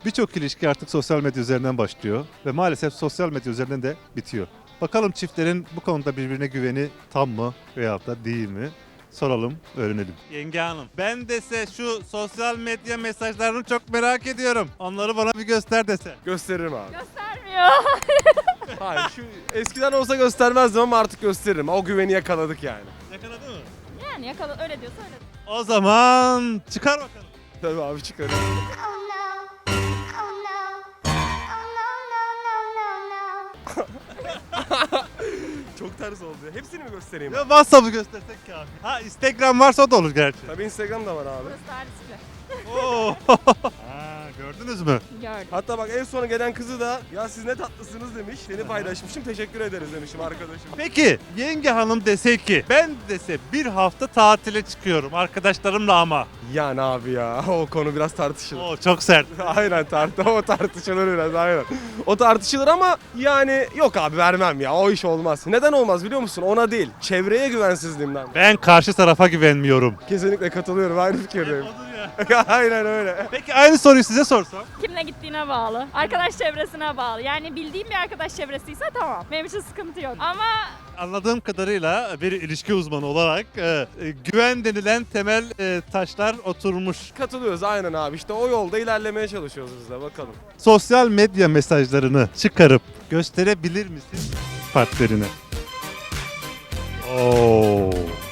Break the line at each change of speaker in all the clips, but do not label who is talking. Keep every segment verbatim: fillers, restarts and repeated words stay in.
Birçok ilişki artık sosyal medya üzerinden başlıyor ve maalesef sosyal medya üzerinden de bitiyor. Bakalım çiftlerin bu konuda birbirine güveni tam mı veyahut da değil mi? Soralım, öğrenelim. Yenge Hanım, ben dese şu sosyal medya mesajlarını çok merak ediyorum. Onları bana bir göster dese.
Gösteririm abi.
Göstermiyor.
Hayır, şu eskiden olsa göstermezdim ama artık gösteririm. O güveni yakaladık yani.
Yakaladı mı?
Yani yakala öyle diyorsa öyle.
O zaman çıkar bakalım.
Tabii abi çıkarım.
Oh no. Oh no. Oh no, no, no, no, no.
Çok ters oldu. Hepsini mi göstereyim?
Ya WhatsApp'ı göstersek kafi. Ha Instagram varsa o da olur gerçi.
Tabii Instagram da var abi.
Burası tarihçiler.
Oo. Ha, gördünüz mü?
Gördüm.
Hatta bak en sona gelen kızı da ya siz ne tatlısınız demiş. Seni paylaşmışım, teşekkür ederiz demişim arkadaşım.
Peki yenge hanım dese ki ben dese bir hafta tatile çıkıyorum arkadaşlarımla ama.
Yani abi ya o konu biraz tartışılır.
Oo çok sert.
Aynen tart o tartışılır biraz aynen. O tartışılır ama yani yok abi vermem ya o iş olmaz. Neden olmaz biliyor musun? Ona değil. Çevreye güvensizliğimden.
Ben karşı tarafa güvenmiyorum.
Kesinlikle katılıyorum aynı fikirdeyim. Aynen öyle.
Peki aynı soruyu size sorsam.
Kimle gittiğine bağlı. Arkadaş çevresine bağlı. Yani bildiğim bir arkadaş çevresiyse tamam. Benim için sıkıntı yok. Ama
Anladığım kadarıyla bir ilişki uzmanı olarak e, e, güven denilen temel e, taşlar oturmuş.
Katılıyoruz aynen abi işte o yolda ilerlemeye çalışıyoruz biz de bakalım.
Sosyal medya mesajlarını çıkarıp gösterebilir misin partnerine? Oo.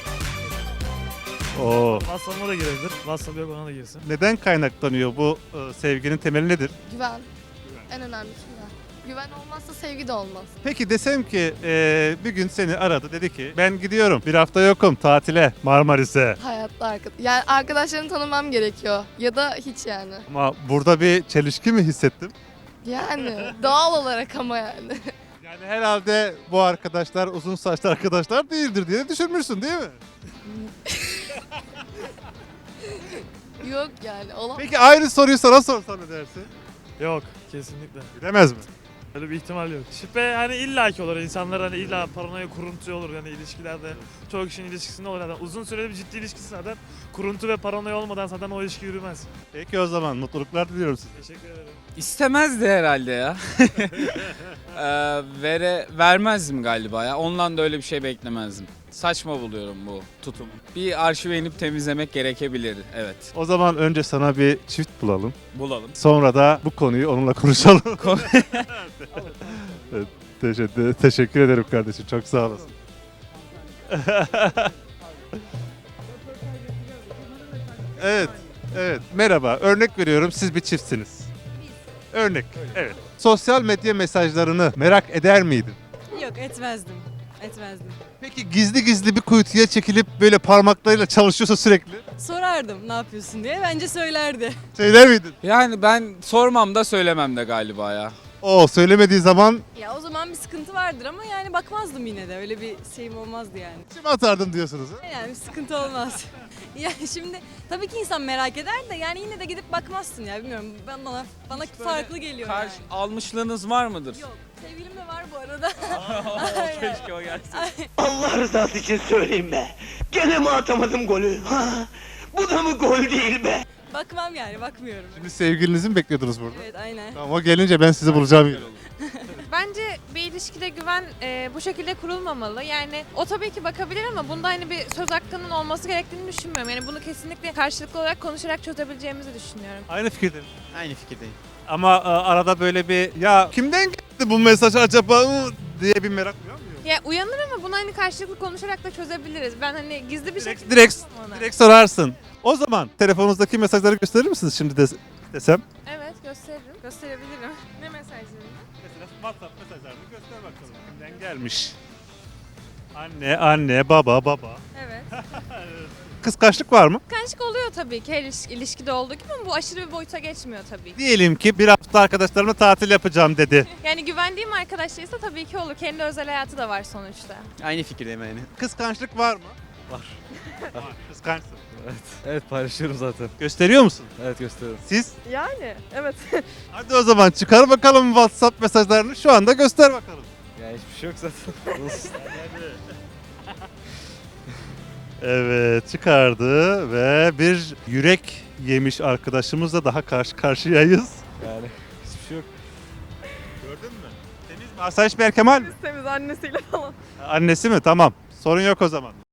Oo.
WhatsApp'ıma da girebilir. WhatsApp yok ona da girsin.
Neden kaynaklanıyor bu e, sevginin temeli nedir?
Güven. En önemlisi güven. Güven olmazsa sevgi de olmaz.
Peki desem ki e, bir gün seni aradı dedi ki ben gidiyorum bir hafta yokum tatile Marmaris'e.
Hayatta arkadaş. Yani arkadaşlarını tanımam gerekiyor. Ya da hiç yani.
Ama burada bir çelişki mi hissettim?
Yani doğal olarak ama yani.
Yani herhalde bu arkadaşlar uzun saçlı arkadaşlar değildir diye düşünmüşsün değil mi?
Yok yani. Olamaz.
Peki aynı soruyu sana sorsam ne dersin?
Yok kesinlikle.
Bilemez mi?
Öyle bir ihtimal yok. Şüphe hani illaki olur. İnsanlar hani illa paranoya kuruntu olur. Yani ilişkilerde çoğu kişinin ilişkisinde olur. Yani uzun süreli bir ciddi ilişkisi zaten kuruntu ve paranoya olmadan zaten o ilişki yürümez.
Peki o zaman mutluluklar diliyorum size.
Teşekkür ederim.
İstemezdi herhalde ya. Ee, vere, vermezdim galiba ya. Ondan da öyle bir şey beklemezdim. Saçma buluyorum bu tutum. Bir arşive inip temizlemek gerekebilir. Evet.
O zaman önce sana bir çift bulalım.
Bulalım.
Sonra da bu konuyu onunla konuşalım. Evet, teşekkür, teşekkür ederim kardeşim. Çok sağ olasın. Evet. Evet. Merhaba. Örnek veriyorum. Siz bir çiftsiniz. Örnek. Evet. Sosyal medya mesajlarını merak eder miydin?
Yok etmezdim. Etmezdim.
Peki gizli gizli bir kuytuya çekilip böyle parmaklarıyla çalışıyorsa sürekli
Sorardım ne yapıyorsun diye. Bence söylerdi.
söyler miydin?
Yani ben sormam da söylemem de galiba ya.
O söylemediği zaman
Ya o zaman bir sıkıntı vardır ama yani bakmazdım yine de. Öyle bir şeyim olmazdı yani.
içime atardım diyorsunuz. Ha?
Yani bir sıkıntı olmaz. Yani şimdi tabii ki insan merak eder de yani yine de gidip bakmazsın ya bilmiyorum. Ben bana bana farklı geliyor
Karşı
yani.
almışlığınız var mıdır?
Yok. Sevgilim de var bu arada.
Keşke o gelsin.
Allah rızası için söyleyeyim be. Gene mi atamadım golü? Ha? Bu da mı gol değil be?
Bakmam yani bakmıyorum.
Şimdi sevgilinizi mi bekliyordunuz burada?
Evet aynen.
Tamam o gelince ben sizi bulacağım. yine.
Bence bir ilişkide güven e, bu şekilde kurulmamalı. Yani o tabii ki bakabilir ama bunda hani bir söz hakkının olması gerektiğini düşünmüyorum. Yani bunu kesinlikle karşılıklı olarak konuşarak çözebileceğimizi düşünüyorum.
Aynı fikirdeyim.
Aynı fikirdeyim.
Ama e, arada böyle bir ya kimden geldi bu mesaj acaba ıı, diye bir merak uyanmıyor mu?
Ya uyanır ama bunu hani karşılıklı konuşarak da çözebiliriz. Ben hani gizli bir
Direkt,
şekilde
direkt,
yapmam ona.
direkt sorarsın. O zaman telefonunuzdaki mesajları gösterir misiniz şimdi de, desem?
Evet gösteririm. Gösterebilirim. Ne mesajlarını?
Mesela WhatsApp mesajlarını göster bakalım. Kimden gelmiş? Anne, anne, baba, baba.
Evet.
Kıskançlık var mı?
Kıskançlık oluyor tabii ki her iliş- ilişkide olduğu gibi ama bu aşırı bir boyuta geçmiyor tabii ki.
Diyelim ki bir hafta arkadaşlarımla tatil yapacağım dedi.
Yani güvendiğim arkadaşlarıysa tabii ki olur. Kendi özel hayatı da var sonuçta.
Aynı fikirdeyim yani.
Kıskançlık var mı?
Var.
Var. Kıskançsın.
Evet paylaşıyorum zaten.
Gösteriyor musun?
Evet gösteriyorum.
Siz?
Yani evet.
Hadi o zaman çıkar bakalım WhatsApp mesajlarını şu anda göster bakalım.
Ya hiçbir şey yok zaten.
Evet çıkardı ve bir yürek yemiş arkadaşımızla daha karşı karşıyayız.
Yani hiçbir şey yok.
Gördün mü? Temiz mi? Asayiş Berkemal mi?
Temiz annesiyle falan.
Annesi mi? Tamam. Sorun yok o zaman.